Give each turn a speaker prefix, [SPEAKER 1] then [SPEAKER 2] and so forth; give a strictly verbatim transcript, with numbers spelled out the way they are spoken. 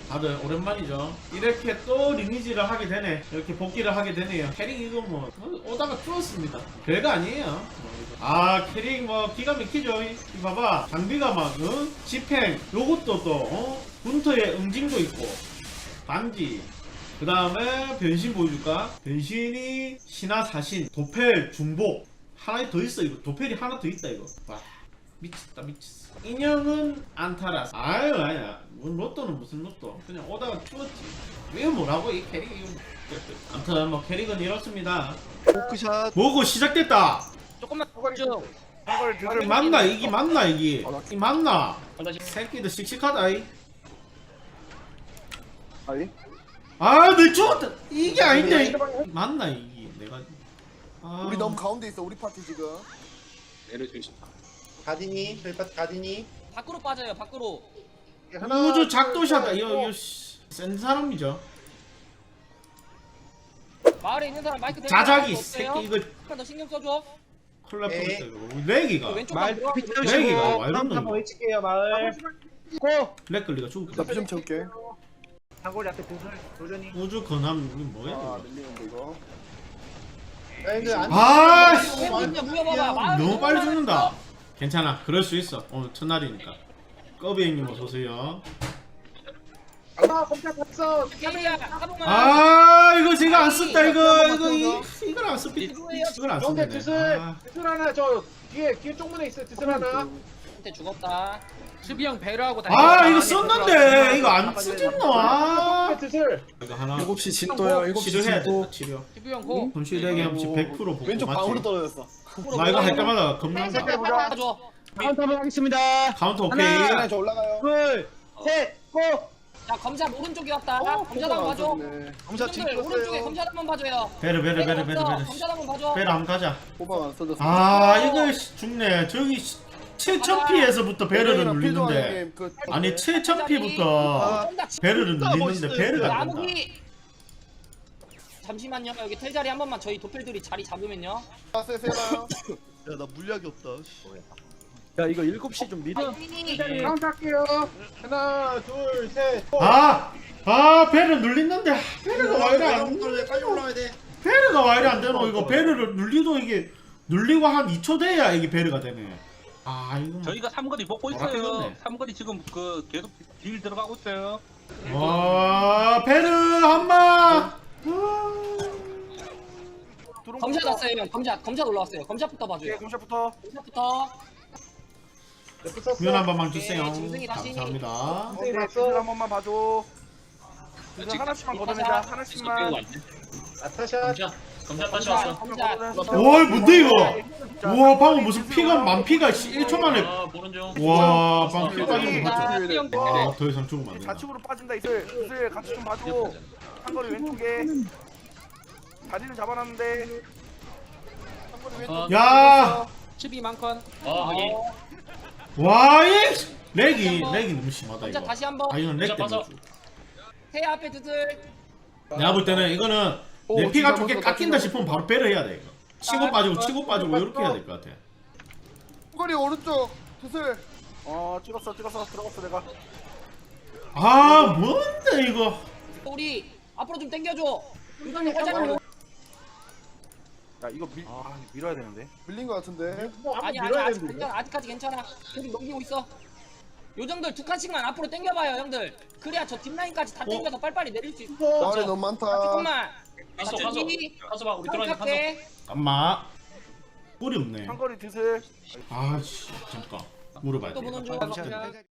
[SPEAKER 1] 다들 오랜만이죠. 이렇게 또 리니지를 하게 되네. 이렇게 복귀를 하게 되네요. 캐릭 이거 뭐 오다가 뚫었습니다. 별거 아니에요. 아 캐릭 뭐 기가 막히죠. 이 봐봐 장비가 막 응? 집행 요것도 또 어? 군터에 응징도 있고 반지 그 다음에 변신 보여줄까? 변신이 신화 사신 도펠 중복 하나 더 있어. 이거 도펠이 하나 더 있다. 이거 와 미쳤다 미쳤어. 인형은 안타라스. 아유 아니야 뭔 로또는 무슨 로또 그냥 오다가 뚫었지. 왜 뭐라고 이 캐릭이. 아무튼 뭐 캐릭은 이렇습니다.
[SPEAKER 2] 포크샷
[SPEAKER 1] 뭐고 시작됐다.
[SPEAKER 3] 조금만 쭉.
[SPEAKER 1] 이게 맞나 이게 맞나 이게 이 맞나. 새끼들 씩씩하다 이.
[SPEAKER 2] 아니?
[SPEAKER 1] 아내 죽었다. 이게 아닌데 이. 맞나 이게 내가. 아...
[SPEAKER 2] 우리 너무 가운데 있어 우리 파티 지금.
[SPEAKER 4] 내려주시.
[SPEAKER 5] 가디니 저희 파트 가디니
[SPEAKER 3] 밖으로 빠져요. 밖으로.
[SPEAKER 1] 우주 작도샤다. 이거 이거 씨, 센 사람이죠.
[SPEAKER 3] 마을에 있는 사람 마이크 대고
[SPEAKER 1] 자작이
[SPEAKER 3] 어때요?
[SPEAKER 1] 새끼 이거
[SPEAKER 3] 약간 더 신경 써줘.
[SPEAKER 1] 큰일 날
[SPEAKER 5] 에이.
[SPEAKER 1] 뻔했다 이거. 렉이가
[SPEAKER 3] 왼쪽
[SPEAKER 4] 말
[SPEAKER 3] 방
[SPEAKER 4] 피트
[SPEAKER 1] 렉이가 와 이런 거
[SPEAKER 4] 한번
[SPEAKER 1] 이거.
[SPEAKER 4] 외칠게요 마을. 고.
[SPEAKER 1] 렉 걸리가 죽을
[SPEAKER 2] 나
[SPEAKER 1] 뻔.
[SPEAKER 2] 피 좀 채울게.
[SPEAKER 4] 단골이 앞에 도전 도전이.
[SPEAKER 1] 우주 건함 이게 뭐야
[SPEAKER 2] 아
[SPEAKER 1] 이거.
[SPEAKER 2] 밀리는데 이거.
[SPEAKER 5] 아니 안
[SPEAKER 1] 아
[SPEAKER 3] 왜
[SPEAKER 1] 씨.
[SPEAKER 3] 그냥 무여봐봐. 마을
[SPEAKER 1] 너무 빨리 죽는다. 괜찮아 그럴 수 있어. 오늘 첫날이니까. 꺼비 형님 어서오세요.
[SPEAKER 4] 아 검사 봤어.
[SPEAKER 3] 게임이야. 가보면.
[SPEAKER 1] 아 이거 제가 안 썼다 이거 이거 이 이걸 안 썼. 이걸 안
[SPEAKER 4] 형제
[SPEAKER 1] 썼네.
[SPEAKER 4] 드슬
[SPEAKER 1] 아.
[SPEAKER 4] 드슬 하나 저 뒤에 뒤에 쪽문에 있어 드슬 하나.
[SPEAKER 3] 한테 죽었다.
[SPEAKER 6] 수비 형 배려하고
[SPEAKER 1] 아 이거 썼는데 이거 안 쓰겠노. 아
[SPEAKER 4] 드슬.
[SPEAKER 1] 이거 하나
[SPEAKER 2] 일곱 시 진도야 일곱 시
[SPEAKER 1] 치료해야
[SPEAKER 2] 진도.
[SPEAKER 1] 돼 치료.
[SPEAKER 6] 수비 형 고.
[SPEAKER 1] 손실되게 하면 백 퍼센트 복구
[SPEAKER 2] 왼쪽 방으로
[SPEAKER 1] 맞지?
[SPEAKER 2] 떨어졌어.
[SPEAKER 1] 나 이거 할 때마다 겁난다.
[SPEAKER 3] 색깔 봐줘.
[SPEAKER 4] 카운터 한번 하겠습니다.
[SPEAKER 1] 카운터 오케이.
[SPEAKER 2] 하나 저 올라가요.
[SPEAKER 4] 둘, 셋, 고.
[SPEAKER 3] 자 검사 오른쪽이었다.
[SPEAKER 2] 어,
[SPEAKER 3] 검사 한번 봐줘.
[SPEAKER 2] 검사
[SPEAKER 3] 형들 오른쪽에 검사 한번 봐줘요.
[SPEAKER 1] 베르 베르 베르 베르 베르.
[SPEAKER 3] 검사 한번 봐줘.
[SPEAKER 1] 베르 한번 가자.
[SPEAKER 2] 호박 안 써졌어.
[SPEAKER 1] 아 이거 씨, 죽네. 저기 칠천 피에서부터 베르를 눌리는데
[SPEAKER 2] 그
[SPEAKER 1] 아니 칠천 피부터 베르를 눌리는데 베르가 안 된다.
[SPEAKER 3] 나무기. 잠시만요. 여기 텔 자리 한 번만 저희 도플들이 자리 잡으면요.
[SPEAKER 2] 세세요.
[SPEAKER 7] 야나 물약이 없다.
[SPEAKER 4] 야 이거 일곱 시 좀 미리.
[SPEAKER 3] 아니,
[SPEAKER 4] 카운트 할게요. 하나, 둘, 셋. 고.
[SPEAKER 1] 아! 아 베르 눌리는데 베르가 왜 이래 안
[SPEAKER 5] 빨리 올라와야 돼.
[SPEAKER 1] 베르가 왜 이래 안 되노. 이거 베르를 눌리도 이게 눌리고 한 이 초 돼야 이게 베르가 되네. 아 이거 뭐.
[SPEAKER 8] 저희가 삼거리 먹고
[SPEAKER 1] 뭐라
[SPEAKER 8] 있어요.
[SPEAKER 1] 그러네.
[SPEAKER 8] 삼거리 지금 그 계속 딜 들어가고 있어요.
[SPEAKER 1] 와 베르 한마.
[SPEAKER 3] 검사 났어요. 형. 검사 검사 올라왔어요. 검사부터 봐줘요.
[SPEAKER 4] 공샷부터.
[SPEAKER 3] 검사부터.
[SPEAKER 1] 구현 한 번만 주세요.
[SPEAKER 3] 네, 짐승이 다시.
[SPEAKER 1] 감사합니다.
[SPEAKER 4] 네, 드슬 한 번만 봐줘. 드슬 하나씩만 걷어내자. 하나씩만.
[SPEAKER 5] 아타샷
[SPEAKER 3] 검사 검사.
[SPEAKER 1] 오 뭔데 이거? 우와 방금 무슨 피가 만피가 일 초 만에. 와 방금 피 빠진 거 봤죠? 와더 이상 죽으면 안 된다.
[SPEAKER 4] 좌측으로 빠진다 이슬. 이슬 같이 좀 봐줘. 한거리 왼쪽에. 다리는 잡아놨는데. 한거리 왼쪽.
[SPEAKER 1] 야!
[SPEAKER 6] 수비 많건.
[SPEAKER 1] 와이 렉이 렉이 너무 심하다
[SPEAKER 3] 검사
[SPEAKER 1] 이거.
[SPEAKER 3] 다시 한번.
[SPEAKER 1] 아 이건 렉 때문에.
[SPEAKER 3] 태 앞에 드슬.
[SPEAKER 1] 내가 볼 때는 이거는 내
[SPEAKER 2] 오,
[SPEAKER 1] 피가
[SPEAKER 2] 진짜
[SPEAKER 1] 좋게
[SPEAKER 2] 멋있다,
[SPEAKER 1] 깎인다
[SPEAKER 2] 진짜.
[SPEAKER 1] 싶으면 바로 배를 해야 돼 이거. 치고 빠지고 치고 빠지고 이렇게 해야 될 것 같아.
[SPEAKER 2] 호거리 오른쪽 드슬.
[SPEAKER 4] 어 찍었어 찍었어 들어갔어 내가.
[SPEAKER 1] 아 뭔데 이거?
[SPEAKER 3] 우리 앞으로 좀 당겨줘. 유선이 화장으로.
[SPEAKER 4] 야 이거 밀 아, 밀어야 되는데.
[SPEAKER 2] 밀린 거 같은데.
[SPEAKER 3] 아니 아니 아직 괜찮아. 아직까지 괜찮아. 계속 넘기고 있어. 요정들 두 칸씩만 앞으로 당겨봐요 형들. 그래야 저 뒷라인까지 다 당겨서 빨리빨리 내릴 수 있어.
[SPEAKER 2] 마을에 너무 많다.
[SPEAKER 3] 조금만.
[SPEAKER 8] 가서
[SPEAKER 3] 가서
[SPEAKER 8] 가서 봐. 우리 들어가자. 가서.
[SPEAKER 1] 엄마 뿔이 없네.
[SPEAKER 4] 한거리 드슬.
[SPEAKER 1] 아씨 잠깐 물어봐야
[SPEAKER 3] 또
[SPEAKER 1] 돼.
[SPEAKER 3] 보는 중.